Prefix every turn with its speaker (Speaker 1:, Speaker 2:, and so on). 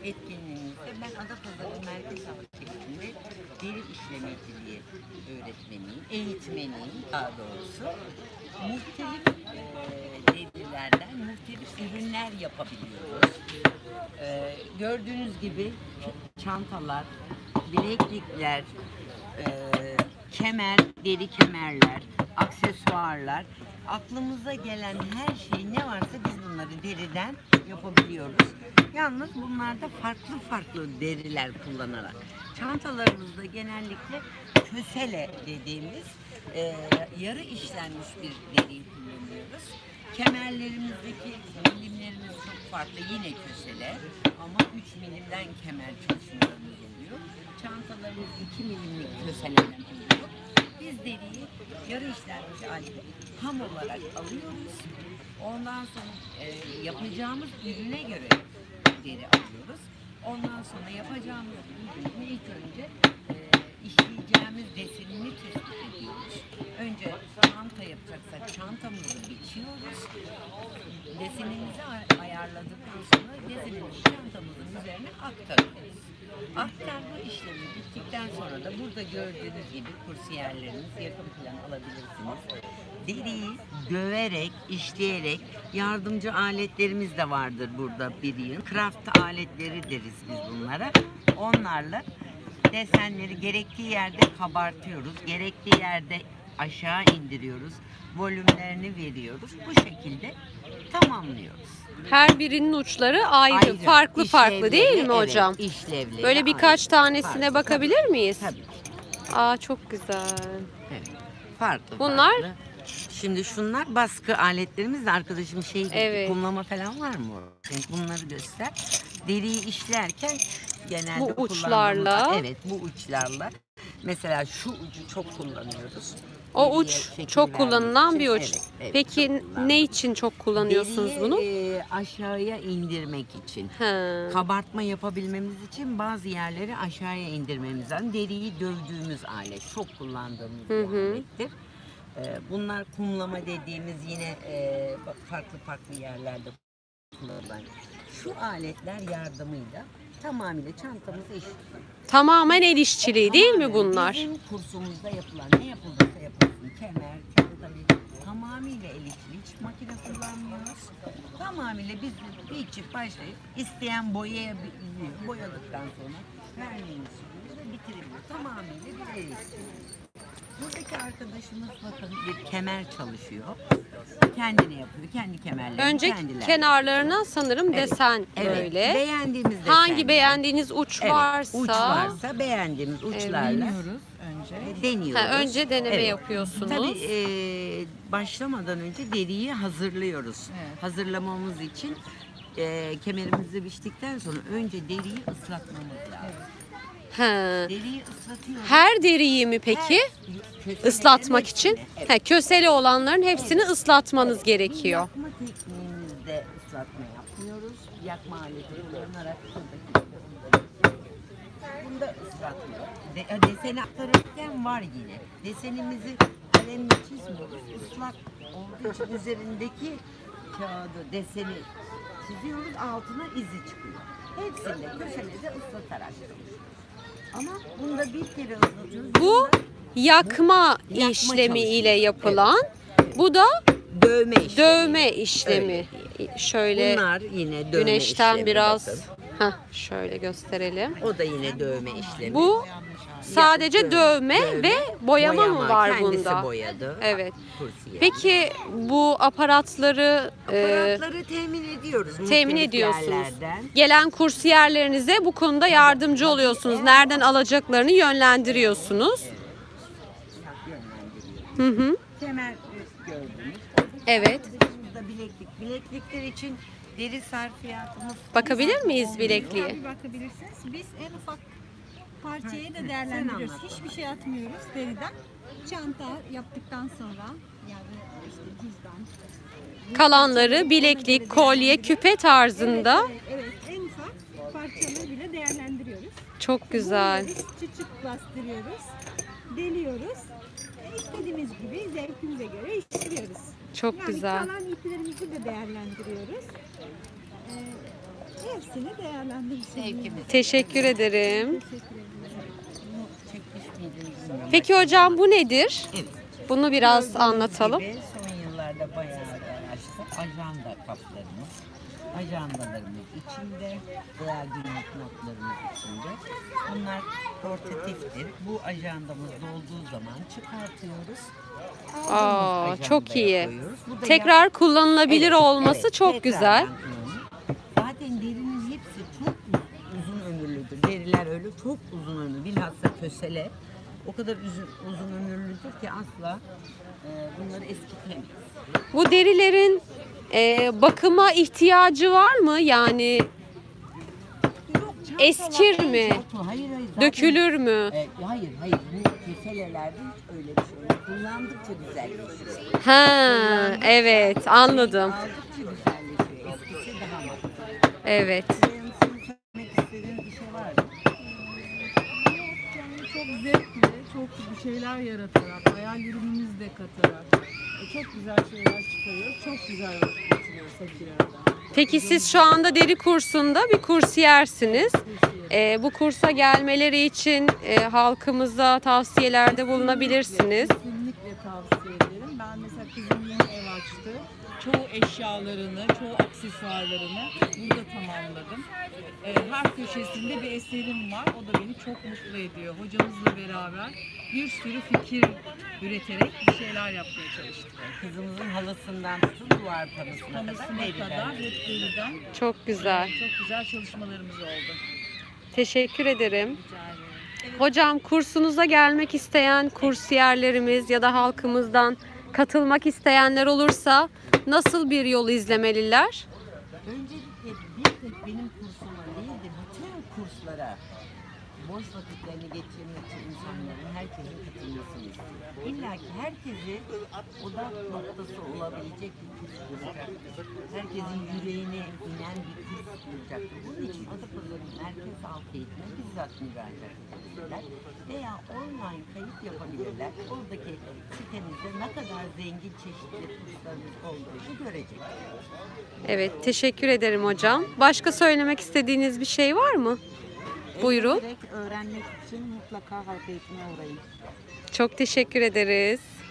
Speaker 1: etkinliğimizde ben Adapazarı Merkez Şehrinde deri işlemeciliği öğretmeniyim, eğitmeniyim daha doğrusu. Muhtelif derilerden muhtelif ürünler yapabiliyoruz. Gördüğünüz gibi çantalar, bileklikler, kemer, deri kemerler, aksesuarlar, aklımıza gelen her şey ne varsa biz bunları deriden yapabiliyoruz. Yalnız bunlarda farklı farklı deriler kullanarak. Çantalarımızda genellikle kösele dediğimiz yarı işlenmiş bir deriyi kullanıyoruz. Kemerlerimizdeki milimlerimiz çok farklı, yine kösele ama 3 milimden kemer çalışmalarımız oluyor. Çantalarımız 2 milimlik köseleden oluyor. Biz deriyi yarı işlenmiş halde ham olarak alıyoruz. Ondan sonra yapacağımız ürüne göre deri alıyoruz. Ondan sonra yapacağımız ürünü ilk önce işleyeceğimiz desenini tespit ediyoruz. Önce çanta yapacaksak çantamızı biçiyoruz. Desenimizi ayarladıktan sonra desenimizi çantamızın üzerine aktarıyoruz. Aktarma işlemi bittikten sonra da burada gördüğünüz gibi kursiyerleriniz, yakın plan alabilirsiniz. Deriyi döverek, işleyerek, yardımcı aletlerimiz de vardır burada bir yığın. Craft aletleri deriz biz bunlara. Onlarla desenleri gerektiği yerde kabartıyoruz, gerektiği yerde aşağı indiriyoruz, volümlerini veriyoruz. Bu şekilde tamamlıyoruz.
Speaker 2: Her birinin uçları ayrı, farklı farklı değil mi hocam?
Speaker 1: Evet, işlevleri
Speaker 2: böyle birkaç
Speaker 1: ayrı.
Speaker 2: tanesine
Speaker 1: Farklı,
Speaker 2: bakabilir miyiz?
Speaker 1: Tabii ki.
Speaker 2: Aa, çok güzel.
Speaker 1: Evet. Farklı.
Speaker 2: Bunlar?
Speaker 1: Farklı. Şimdi şunlar baskı aletlerimiz de arkadaşım
Speaker 2: Evet.
Speaker 1: kumlama falan var mı? Bunları göster. Deriyi işlerken genelde
Speaker 2: bu uçlarla.
Speaker 1: Evet, bu uçlarla. Mesela şu ucu çok kullanıyoruz.
Speaker 2: O
Speaker 1: Deriye
Speaker 2: uç
Speaker 1: şekil
Speaker 2: çok
Speaker 1: vermek
Speaker 2: kullanılan
Speaker 1: için.
Speaker 2: bir uç.
Speaker 1: Evet, evet,
Speaker 2: Peki
Speaker 1: çok kullanılıyor.
Speaker 2: ne için çok kullanıyorsunuz
Speaker 1: Deriyi,
Speaker 2: bunu?
Speaker 1: aşağıya indirmek için.
Speaker 2: He.
Speaker 1: Kabartma yapabilmemiz için bazı yerleri aşağıya indirmemiz lazım. Deriyi dövdüğümüz alet, çok kullandığımız bir alettir. Bunlar kumlama dediğimiz yine farklı farklı yerlerde kullanılan. Şu aletler yardımıyla tamamıyla çantamızı işliyoruz.
Speaker 2: Tamamen el işçiliği değil mi bunlar?
Speaker 1: Bizim kursumuzda yapılan ne yapılırsa yapılsın, kemer, çanta, tamamıyla el işçiliği, hiç makine kullanmıyoruz. Tamamıyla biz bir çift başlayıp isteyen boyayabiliyor. Boyadıktan sonra verniğini sürüyoruz ve bitirebiliyoruz. Tamamıyla bir el işçiliği. Buradaki arkadaşımız bakın bir kemer çalışıyor. Kendini yapıyor. Kendi kemerlerini
Speaker 2: Önce
Speaker 1: kendileri.
Speaker 2: kenarlarına sanırım desen
Speaker 1: Evet.
Speaker 2: böyle.
Speaker 1: Beğendiğimiz
Speaker 2: Hangi
Speaker 1: desenler.
Speaker 2: beğendiğiniz uç
Speaker 1: Evet,
Speaker 2: varsa,
Speaker 1: uç varsa beğendiğimiz uçlarla deniyoruz.
Speaker 2: önce deneme
Speaker 1: Evet.
Speaker 2: yapıyorsunuz.
Speaker 1: Tabii başlamadan önce deriyi hazırlıyoruz.
Speaker 3: Evet.
Speaker 1: Hazırlamamız için kemerimizi biçtikten sonra önce deriyi ıslatmamız lazım.
Speaker 2: He.
Speaker 1: Deriyi ıslatıyoruz.
Speaker 2: Her deriyi mi peki
Speaker 1: Köselerin
Speaker 2: ıslatmak
Speaker 1: hepsini,
Speaker 2: için?
Speaker 1: evet.
Speaker 2: He, köseli olanların hepsini ıslatmanız gerekiyor.
Speaker 1: Yakma tekniğimizde ıslatma yapmıyoruz. Yakma aleti kullanarak bunda ıslatma. Deseni aktarırken var yine. Desenimizi kalemle çizmiyoruz. Islak olduğu için üzerindeki kağıdı, deseni çiziyoruz. Altına izi çıkıyor. Hepsinde köşede ıslatarak. Ama bunda bir kere ıslatıyoruz.
Speaker 2: Bu
Speaker 1: Bunda
Speaker 2: yakma
Speaker 1: Yakma
Speaker 2: işlemi
Speaker 1: çalışması.
Speaker 2: ile yapılan. Bu da
Speaker 1: dövme işlemi.
Speaker 2: dövme işlemi.
Speaker 1: Öyle.
Speaker 2: Şöyle
Speaker 1: Bunlar yine dövme
Speaker 2: güneşten
Speaker 1: işlemi,
Speaker 2: biraz
Speaker 1: bakın.
Speaker 2: şöyle gösterelim.
Speaker 1: O da yine dövme işlemi.
Speaker 2: Bu sadece dövme ve boyama mı var
Speaker 1: kendisi
Speaker 2: bunda?
Speaker 1: boyadı.
Speaker 2: Evet.
Speaker 1: Kursiyer.
Speaker 2: Peki bu aparatları
Speaker 1: Aparatları temin ediyoruz.
Speaker 2: temin
Speaker 1: muhtelif
Speaker 2: ediyorsunuz.
Speaker 1: yerlerden.
Speaker 2: Gelen kursiyerlerinize bu konuda yardımcı oluyorsunuz. Nereden alacaklarını yönlendiriyorsunuz.
Speaker 1: Yönlendiriyoruz.
Speaker 2: Hı hı.
Speaker 1: Kemer gördünüz.
Speaker 2: Evet.
Speaker 1: Burada bileklik. Bileklikler için deri sarfiyatımız.
Speaker 2: Bakabilir miyiz bilekliğe?
Speaker 3: Tabii bakabilirsiniz. Biz en ufak parçayı da değerlendiriyoruz.
Speaker 1: anlat.
Speaker 3: Hiçbir şey atmıyoruz deriden. Çanta yaptıktan sonra yani işte cüzdan.
Speaker 2: Kalanları bileklik, kolye, küpe tarzında.
Speaker 3: Evet, en ufak parçaları bile değerlendiriyoruz.
Speaker 2: Çok güzel.
Speaker 3: Biz çıçık bastırıyoruz, deliyoruz. İstediğimiz gibi zevkimize göre işliyoruz.
Speaker 2: Çok
Speaker 3: Yani
Speaker 2: güzel.
Speaker 3: kalan iplerimizi de değerlendiriyoruz. Hepsini değerlendiririz.
Speaker 1: Zevkimiz.
Speaker 2: Teşekkür ederim.
Speaker 3: Teşekkür ederim.
Speaker 1: Bunu çekmiş miydiniz bilmiyorum.
Speaker 2: Peki hocam bu nedir?
Speaker 1: Evet.
Speaker 2: Bunu biraz
Speaker 1: Gördüğünüz
Speaker 2: anlatalım.
Speaker 1: gibi son yıllarda bayağı açtık. Ajanda kaplarımız, ajandalarımız içinde veya günlük notlarımız içinde. Bunlar portatiftir. Bu ajandamız dolduğu zaman çıkartıyoruz.
Speaker 2: Aa,
Speaker 1: Aldığımız
Speaker 2: çok
Speaker 1: ajandaya
Speaker 2: iyi.
Speaker 1: koyuyoruz. Bu da
Speaker 2: Tekrar kullanılabilir
Speaker 1: Evet,
Speaker 2: olması
Speaker 1: evet,
Speaker 2: çok
Speaker 1: tekrardan
Speaker 2: güzel.
Speaker 1: kullanılır. Zaten derinin hepsi çok uzun ömürlüdür. Deriler öyle çok uzun ömürlü. Bilhassa kösele o kadar uzun ömürlüdür ki asla bunları eskitemeyiz.
Speaker 2: Bu derilerin bakıma ihtiyacı var mı? Yani
Speaker 1: Yok,
Speaker 2: eskir
Speaker 1: çantalar
Speaker 2: mi?
Speaker 1: en çok- Hayır hayır. Zaten,
Speaker 2: Dökülür mü?
Speaker 1: hayır hayır. Bu keselelerde hiç öyle bir şey yok. Kullandıkça güzelleşiyor.
Speaker 2: Ha, evet anladım.
Speaker 1: Aldıkça güzelleşiyor. Eskisi daha makbul.
Speaker 2: Evet.
Speaker 1: Sizin söylemek istediğiniz bir şey var mı?
Speaker 4: Yani çok zevkli, çok bir şeyler yaratarak, hayallerimizi de katarak çok güzel şeyler çıkarıyoruz. Çok güzel vakit geçiriyoruz hep bir arada.
Speaker 2: Peki siz şu anda deri kursunda bir kursiyersiniz. Bu kursa gelmeleri için halkımıza tavsiyelerde bulunabilirsiniz.
Speaker 4: Kesinlikle tavsiye ederim. Ben mesela kızım yeni ev açtı. Çoğu eşyalarını, çoğu aksesuarlarını burada tamamladım. Her köşesinde bir eserim var. O da beni çok mutlu ediyor. Hocamızla beraber bir sürü fikir üreterek bir şeyler yapmaya çalıştık.
Speaker 1: Kızımızın halısından tutun duvar panosuna kadar
Speaker 4: Halısına
Speaker 1: deriden.
Speaker 4: kadar hep deriden
Speaker 2: Çok güzel.
Speaker 4: çok güzel çalışmalarımız oldu.
Speaker 2: Teşekkür ederim.
Speaker 4: Rica ederim.
Speaker 2: Hocam kursunuza gelmek isteyen kursiyerlerimiz ya da halkımızdan katılmak isteyenler olursa nasıl bir yol izlemeliler?
Speaker 1: Öncelikle bir tek benim kursuma değil de bütün kurslara boş vakitlerini geçirmek için insanların, herkesin katılmasını istiyorum. İlla ki herkesi odak noktası olabilecek bir kurs bulacaktır. Herkesin yüreğine inen bir kurs bulacaktır. Bunun için Adapazarı Merkez Halk Eğitim'e bizzat müracaat edebilirler veya online kayıt yapabilirler. Oradaki sitemizde ne kadar zengin çeşitli kurslarımız olduğunu görecekler.
Speaker 2: Evet, teşekkür ederim hocam. Başka söylemek istediğiniz bir şey var mı? Buyurun.
Speaker 4: Direkt öğrenmek için mutlaka halk eğitimine uğrayın.
Speaker 2: Çok teşekkür ederiz.